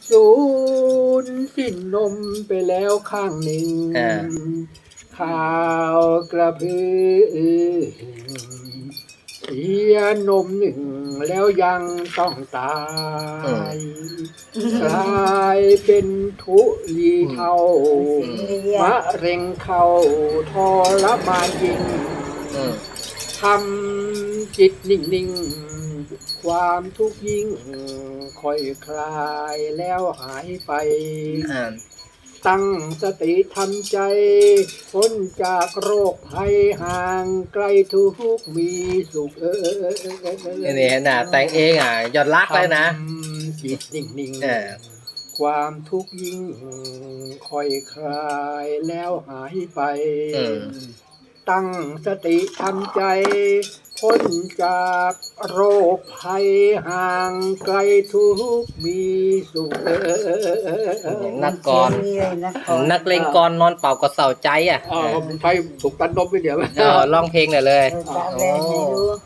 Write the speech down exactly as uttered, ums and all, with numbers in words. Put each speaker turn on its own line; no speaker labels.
สูญสิ้นนมไปแล้วข้างหนึ่ง
อ่า
ข่าวกระพือเสียนมหนึ่งแล้วยังต้องตาย กลายเป็นทุลีเทามะเร็งเข้าทรมานยิ่ง
อืม
ทำจิตนิ่งๆ ความทุกข์ยิ่ง ค่อยคลายแล้วหายไป
อ่า
ตั้งสติทำใจพ้นจากโรคภัยห่างไกลทุกข์มีสุขเออ
นี่นี่น่ะแต่งเองอ่ะยอดรักเลยนะ
ทำจิตนิ่ง
เออ
ๆ ความทุกข์ยิ่ง ค่อยคลายแล้วหายไป
อืม
ตั้งสติทำใจพ้นจากโรคภัยห่างไกลทุกข์มีสุขเออ
นักกร
นี่เลยนะกร
นักเลงกรนอนเป่ากระเสาใจอ่ะ
อ๋อผมใช้ถูกตันนมไปเดี๋ยว
เออร้องเพลงหน่อยเลย
เออจะเอาแรงให้ดู